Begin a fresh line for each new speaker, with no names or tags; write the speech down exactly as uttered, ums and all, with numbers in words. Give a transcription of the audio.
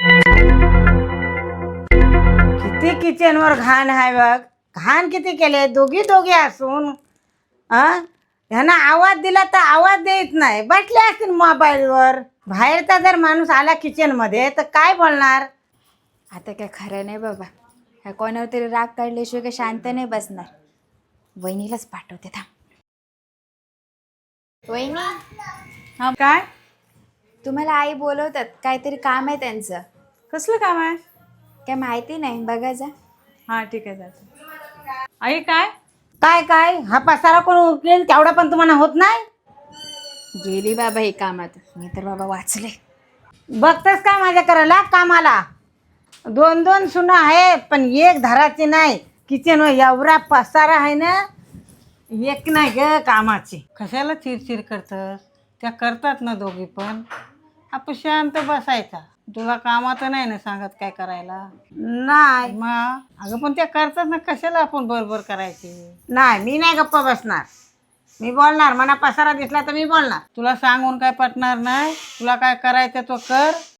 किती किचनवर घाण आहे बघ. घाण किती केले दोघी दोघी असून. हा ह्यांना आवाज दिला तर आवाज देत नाही, बसले असतील मोबाईलवर. बाहेरचा जर माणूस आला किचनमध्ये तर काय बोलणार.
आता काय खरं नाही बाबा, ह्या कोणावर तरी राग काढल्याशिवाय काय शांत नाही बसणार. वहिनीलाच पाठवते थांब. वहिनी,
हा काय?
तुम्हाला आई बोलवतात, काहीतरी काम आहे त्यांचं.
कसलं काम आहे?
काय माहिती नाही, बघा जा.
हा ठीक आहे, जाते. आई काय?
काय काय हा पसारा कोण उचलेल तेवढा पण तुम्हाला होत नाही.
गेली बाबा हे कामात, मी तर बाबा वाचले.
बघतेस काय माझ्या करायला कामाला. दोन दोन सुना आहेत पण एक धराची नाही. किचन एवढा पसारा आहे ना, एक नाही ग कामाची.
कशाला चिरचिर करतस? त्या करतात ना दोघी पण. आपण शांत बसायचा. तुला कामाचं नाही ना सांगत काय करायला.
नाही
मग अगं पण त्या करतात ना, कशाला आपण बरोबर करायची.
नाही मी नाही गप्पा बसणार. मी बोलणार. मला पसारा दिसला तर मी बोलणार.
तुला सांगून काय पटणार नाही. तुला काय करायचं तो कर.